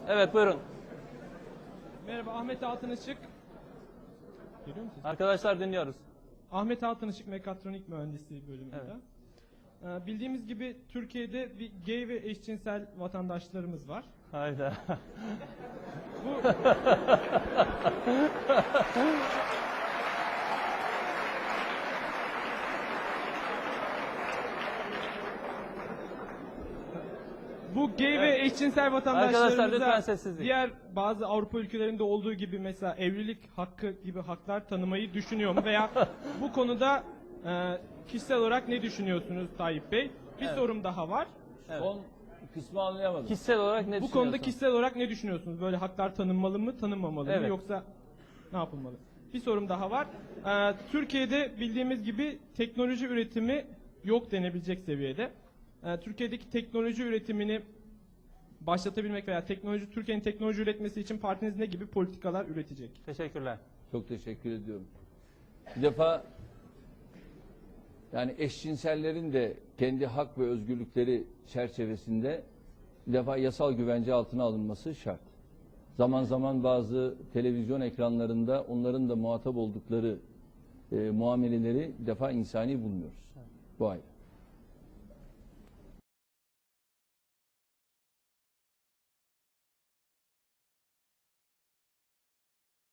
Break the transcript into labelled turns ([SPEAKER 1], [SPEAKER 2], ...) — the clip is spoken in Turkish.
[SPEAKER 1] Evet, buyurun.
[SPEAKER 2] Merhaba, Ahmet Altınışık. Görüyor musunuz?
[SPEAKER 1] Arkadaşlar dinliyoruz.
[SPEAKER 2] Ahmet Altınışık Mekatronik Mühendisliği bölümünde. Bildiğimiz gibi Türkiye'de bir gay ve eşcinsel vatandaşlarımız var.
[SPEAKER 1] Hayda.
[SPEAKER 2] Bu Bu gay ve eşcinsel
[SPEAKER 1] Arkadaşlar lütfen
[SPEAKER 2] vatandaşlarımıza
[SPEAKER 1] sessizlik.
[SPEAKER 2] diğer bazı Avrupa ülkelerinde olduğu gibi mesela evlilik hakkı gibi haklar tanımayı düşünüyor mu? Veya bu konuda kişisel olarak ne düşünüyorsunuz Tayyip Bey? Bir sorum daha var.
[SPEAKER 3] Son kısmı anlayamadım.
[SPEAKER 1] Kişisel olarak ne
[SPEAKER 2] Bu konuda
[SPEAKER 1] düşünüyorsun?
[SPEAKER 2] kişisel olarak ne düşünüyorsunuz? Böyle haklar tanınmalı mı, tanınmamalı mı?
[SPEAKER 1] Evet.
[SPEAKER 2] Yoksa ne yapılmalı? Bir sorum daha var. Türkiye'de bildiğimiz gibi teknoloji üretimi yok denebilecek seviyede. Türkiye'deki teknoloji üretimini başlatabilmek veya Türkiye'nin teknoloji üretmesi için partiniz ne gibi politikalar üretecek?
[SPEAKER 1] Teşekkürler.
[SPEAKER 3] Çok teşekkür ediyorum. Bir defa yani eşcinsellerin de kendi hak ve özgürlükleri çerçevesinde bir defa yasal güvence altına alınması şart. Zaman zaman bazı televizyon ekranlarında onların da muhatap oldukları muameleleri bir defa insani bulmuyoruz. Bu ayrı.